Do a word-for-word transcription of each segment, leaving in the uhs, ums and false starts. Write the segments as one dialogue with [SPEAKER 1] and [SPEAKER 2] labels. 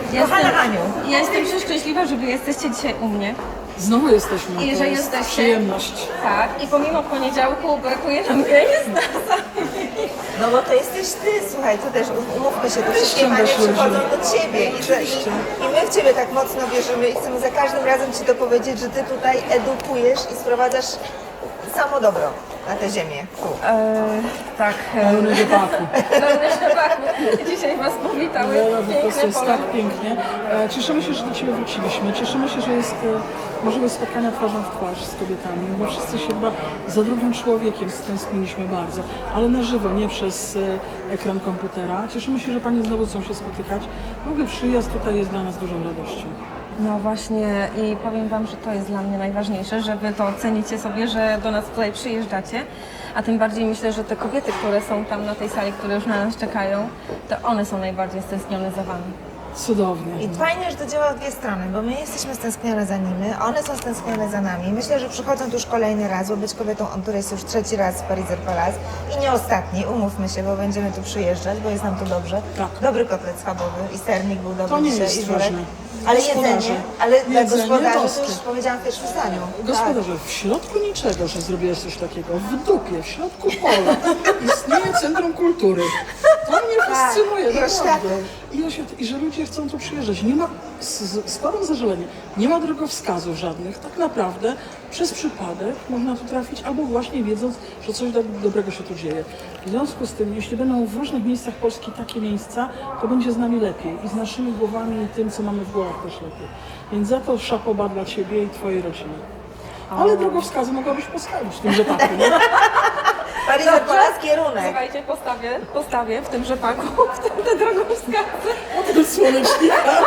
[SPEAKER 1] Ja
[SPEAKER 2] Kochana
[SPEAKER 1] jestem,
[SPEAKER 2] Aniu.
[SPEAKER 1] ja jestem przeszczęśliwa, że wy jesteście dzisiaj u mnie.
[SPEAKER 3] Znowu jesteśmy.
[SPEAKER 1] I
[SPEAKER 3] to
[SPEAKER 1] że
[SPEAKER 3] jest
[SPEAKER 1] jesteście.
[SPEAKER 3] przyjemność.
[SPEAKER 1] Tak, i pomimo poniedziałku brakuje nam jest nas.
[SPEAKER 2] No bo to jesteś ty, słuchaj, to też umówmy się, to wszystkie
[SPEAKER 3] ściągasz
[SPEAKER 2] panie przychodzą
[SPEAKER 3] ludzi.
[SPEAKER 2] do ciebie i, że, i, i my w ciebie tak mocno wierzymy i chcemy za każdym razem ci to powiedzieć, że ty tutaj edukujesz i sprowadzasz samo dobro na tę ziemię. Tu.
[SPEAKER 1] Eee, tak.
[SPEAKER 3] Pełny wypaku.
[SPEAKER 1] Pełny szlabaku. Dzisiaj was powitały
[SPEAKER 3] Wera, po prostu
[SPEAKER 1] piękne
[SPEAKER 3] jest
[SPEAKER 1] pole.
[SPEAKER 3] tak pięknie. E, Cieszymy się, że do Ciebie wróciliśmy. Cieszymy się, że jest e, możliwość spotkania twarzą w twarz z kobietami, bo wszyscy się chyba za drugim człowiekiem stęskniliśmy bardzo, ale na żywo, nie przez e, ekran komputera. Cieszymy się, że Panie znowu chcą się spotykać. W ogóle przyjazd tutaj jest dla nas dużą radością.
[SPEAKER 1] No właśnie i powiem wam, że to jest dla mnie najważniejsze, że wy to cenicie sobie, że do nas tutaj przyjeżdżacie, a tym bardziej myślę, że te kobiety, które są tam na tej sali, które już na nas czekają, to one są najbardziej stęsknione za wami.
[SPEAKER 3] Cudownie.
[SPEAKER 2] I fajnie, że to działa w dwie strony, bo my jesteśmy stęsknione za nimi, one są stęsknione za nami. Myślę, że przychodzą tu już kolejny raz, bo być kobietą on tour jest już trzeci raz w Pariser Palace i nie ostatni, umówmy się, bo będziemy tu przyjeżdżać, bo jest nam tu dobrze.
[SPEAKER 3] Tak.
[SPEAKER 2] Dobry kotlet schabowy i sernik był dobry
[SPEAKER 3] To nie
[SPEAKER 2] dzisiaj
[SPEAKER 3] jest
[SPEAKER 2] i żurek.
[SPEAKER 3] ważne.
[SPEAKER 2] Ale
[SPEAKER 3] Gospodarze.
[SPEAKER 2] jedzenie, ale dla
[SPEAKER 3] Jedzenie
[SPEAKER 2] gospodarzy to
[SPEAKER 3] boskie.
[SPEAKER 2] już powiedziałam w pierwszym zdaniu.
[SPEAKER 3] Gospodarze, w środku niczego, że zrobiłeś coś takiego, w dupie, w środku pola istnieje Centrum Kultury. To mnie fascynuje,
[SPEAKER 2] Tak,
[SPEAKER 3] naprawdę. I, ja się, I że ludzie chcą tu przyjeżdżać. Nie ma, z- składam zażalenie, nie ma drogowskazów żadnych. Tak naprawdę przez przypadek można tu trafić, albo właśnie wiedząc, że coś do, dobrego się tu dzieje. W związku z tym, jeśli będą w różnych miejscach Polski takie miejsca, to będzie z nami lepiej i z naszymi głowami i tym, co mamy w głowach też lepiej. Więc za to szapoba dla Ciebie i Twojej rodziny. Ale drogowskazy mogłabyś postawić w tym rzepaku, nie?
[SPEAKER 2] Pariser Palace kierunek.
[SPEAKER 1] Słuchajcie, postawię, postawię w tym rzepaku, w tym te drogowskazy.
[SPEAKER 3] Od słonecznika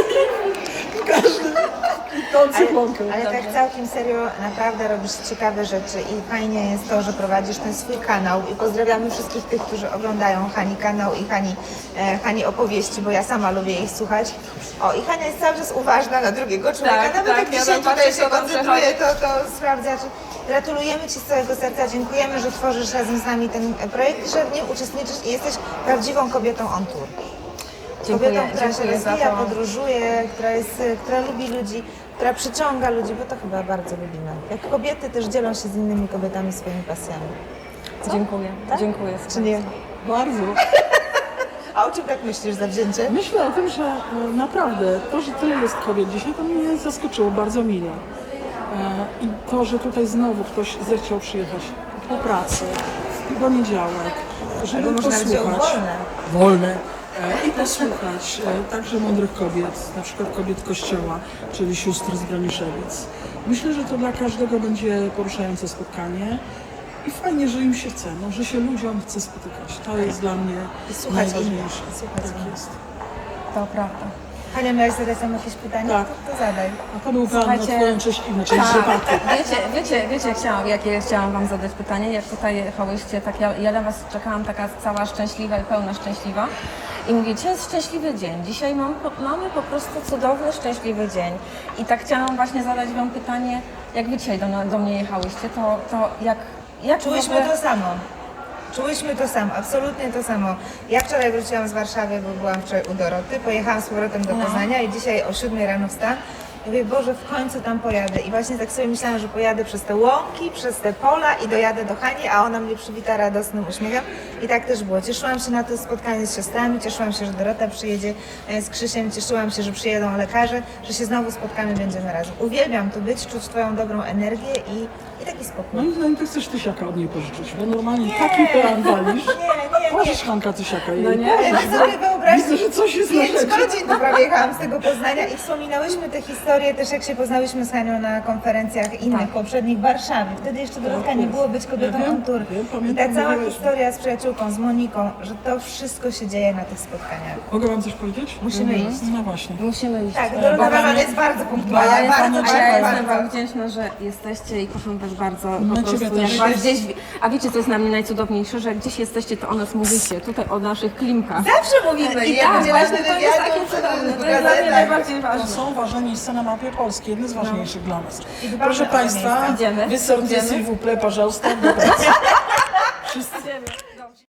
[SPEAKER 3] i każdy kwitnący łąkę.
[SPEAKER 2] Ale tak całkiem serio, naprawdę robisz ciekawe rzeczy i fajnie jest to, że prowadzisz ten swój kanał i pozdrawiamy wszystkich tych, którzy oglądają Hani kanał i Hani, e, Hani opowieści, bo ja sama lubię ich słuchać. O, i Hania jest cały czas uważna na drugiego człowieka,
[SPEAKER 1] Tak,
[SPEAKER 2] nawet
[SPEAKER 1] tak,
[SPEAKER 2] jak
[SPEAKER 1] ja
[SPEAKER 2] dzisiaj
[SPEAKER 1] tam
[SPEAKER 2] tutaj
[SPEAKER 1] patrzę,
[SPEAKER 2] się
[SPEAKER 1] co tam
[SPEAKER 2] koncentruje, to, to sprawdza. Czy... Gratulujemy Ci z całego serca, dziękujemy, że tworzysz razem z nami ten projekt i że w nim uczestniczysz i jesteś prawdziwą kobietą on tour.
[SPEAKER 1] Dziękuję,
[SPEAKER 2] Kobietą, która się
[SPEAKER 1] dziękuję za
[SPEAKER 2] rozwija,
[SPEAKER 1] to.
[SPEAKER 2] podróżuje, która, jest, która lubi ludzi, która przyciąga ludzi, bo to chyba bardzo lubimy. Jak kobiety też dzielą się z innymi kobietami swoimi pasjami.
[SPEAKER 1] Dziękuję,
[SPEAKER 2] Tak?
[SPEAKER 1] dziękuję.
[SPEAKER 2] Czy nie?
[SPEAKER 3] Bardzo.
[SPEAKER 2] A o czym tak myślisz zawzięcie?
[SPEAKER 3] Myślę o tym, że e, naprawdę to, że tyle jest kobiet dzisiaj, to mnie zaskoczyło bardzo mile. E, I to, że tutaj znowu ktoś zechciał przyjechać po pracy, w poniedziałek, żeby
[SPEAKER 2] Albo można wziąć
[SPEAKER 3] posłuchać.
[SPEAKER 2] wolne.
[SPEAKER 3] Wolne. E, I posłuchać e, także mądrych kobiet, na przykład kobiet Kościoła, czyli sióstr z Braniszewic. Myślę, że to dla każdego będzie poruszające spotkanie. I fajnie, że im się chce, no, że się ludziom chce spotykać. To jest dla mnie
[SPEAKER 2] I słuchać
[SPEAKER 3] najważniejsze.
[SPEAKER 2] ich. Słuchać
[SPEAKER 3] Tak
[SPEAKER 2] ich.
[SPEAKER 3] jest.
[SPEAKER 1] To prawda.
[SPEAKER 2] Hania, miałaś zadać nam jakieś pytanie?
[SPEAKER 3] Tak.
[SPEAKER 2] To, to zadaj.
[SPEAKER 3] A to był plan na
[SPEAKER 1] Słuchajcie,
[SPEAKER 3] Twoją cześć i na część rzepaku.
[SPEAKER 1] Wiecie, wiecie, wiecie chciałam, jakie chciałam wam zadać pytanie, jak tutaj jechałyście, tak ja, ja na was czekałam taka cała szczęśliwa i pełna szczęśliwa i mówię, dzisiaj jest szczęśliwy dzień, dzisiaj mam, po- mamy po prostu cudowny, szczęśliwy dzień i tak chciałam właśnie zadać wam pytanie, jak wy dzisiaj do, na- do mnie jechałyście, to, to jak, jak w
[SPEAKER 2] Czułyśmy
[SPEAKER 1] ogóle-
[SPEAKER 2] to samo. Czułyśmy to samo, absolutnie to samo. Ja wczoraj wróciłam z Warszawy, bo byłam wczoraj u Doroty, pojechałam z powrotem do
[SPEAKER 1] No.
[SPEAKER 2] Poznania i dzisiaj o siódmej rano wstałam. I mówię, Boże, w końcu tam pojadę. I właśnie tak sobie myślałam, że pojadę przez te łąki, przez te pola i dojadę do Hani, a ona mnie przywita radosnym uśmiechem. I tak też było. Cieszyłam się na to spotkanie z siostrami, cieszyłam się, że Dorota przyjedzie e, z Krzysiem, cieszyłam się, że przyjedą lekarze, że się znowu spotkamy, będziemy razem. Uwielbiam tu być, czuć Twoją dobrą energię i, i taki spokój.
[SPEAKER 3] Moim zdaniem to chcesz tysiaka od niej pożyczyć, bo normalnie taki plan walisz.
[SPEAKER 2] Nie, nie, nie.
[SPEAKER 3] Możesz Hanka tysiaka jej.
[SPEAKER 1] No nie.
[SPEAKER 2] Ale wy sobie wyobraźcie,
[SPEAKER 3] Widzę, że coś jest na
[SPEAKER 2] pięć
[SPEAKER 3] rzeczy.
[SPEAKER 2] godzin tu prawie jechałam z tego Poznania i wspominałyśmy te historie też jak się poznałyśmy z Hanią na konferencjach innych,
[SPEAKER 1] Tak.
[SPEAKER 2] poprzednich w Warszawie. Wtedy jeszcze Dorotka nie było być kobietą
[SPEAKER 3] Ja wiem,
[SPEAKER 2] on tour.
[SPEAKER 3] wiem,
[SPEAKER 2] I
[SPEAKER 3] pamiętam,
[SPEAKER 2] ta cała
[SPEAKER 3] mówiłyśmy.
[SPEAKER 2] historia z przyjaciółką, z Moniką, że to wszystko się dzieje na tych spotkaniach.
[SPEAKER 3] Mogę wam coś powiedzieć?
[SPEAKER 2] Musimy iść.
[SPEAKER 3] No właśnie.
[SPEAKER 1] Musimy iść.
[SPEAKER 2] Tak,
[SPEAKER 1] E,
[SPEAKER 2] Dorota
[SPEAKER 3] Bo
[SPEAKER 2] Roman
[SPEAKER 3] mamy-
[SPEAKER 2] jest bardzo
[SPEAKER 1] A
[SPEAKER 2] punktualna,
[SPEAKER 1] ja, jestem,
[SPEAKER 2] bardzo,
[SPEAKER 1] a ja
[SPEAKER 2] bardzo,
[SPEAKER 1] jestem
[SPEAKER 2] bardzo.
[SPEAKER 1] wam wdzięczna, że jesteście i kocham was bardzo
[SPEAKER 3] My
[SPEAKER 1] po
[SPEAKER 3] ciebie
[SPEAKER 1] prostu.
[SPEAKER 3] też.
[SPEAKER 1] Jak was gdzieś, a wiecie co jest na mnie najcudowniejsze, że gdzieś jesteście, to o nas mówicie, tutaj o naszych klimkach.
[SPEAKER 2] Zawsze mówimy,
[SPEAKER 1] I
[SPEAKER 2] jak
[SPEAKER 1] tak,
[SPEAKER 2] będzie
[SPEAKER 1] właśnie
[SPEAKER 2] ważny
[SPEAKER 1] to jest takie
[SPEAKER 2] wywiad,
[SPEAKER 1] cudowne,
[SPEAKER 2] w
[SPEAKER 1] to jest dla mnie
[SPEAKER 2] gazetach.
[SPEAKER 1] najbardziej
[SPEAKER 3] To
[SPEAKER 1] ważne.
[SPEAKER 3] są ważne miejsca na mapie Polski, jedne z ważniejszych dla nas.
[SPEAKER 2] I dbamy
[SPEAKER 3] Proszę
[SPEAKER 2] o te
[SPEAKER 3] Państwa,
[SPEAKER 2] miejsca.
[SPEAKER 1] Idziemy.
[SPEAKER 3] wysortez
[SPEAKER 1] Idziemy.
[SPEAKER 3] s'il vous plaît, пожалуйста, do pracy. Wszyscy.
[SPEAKER 1] Idziemy.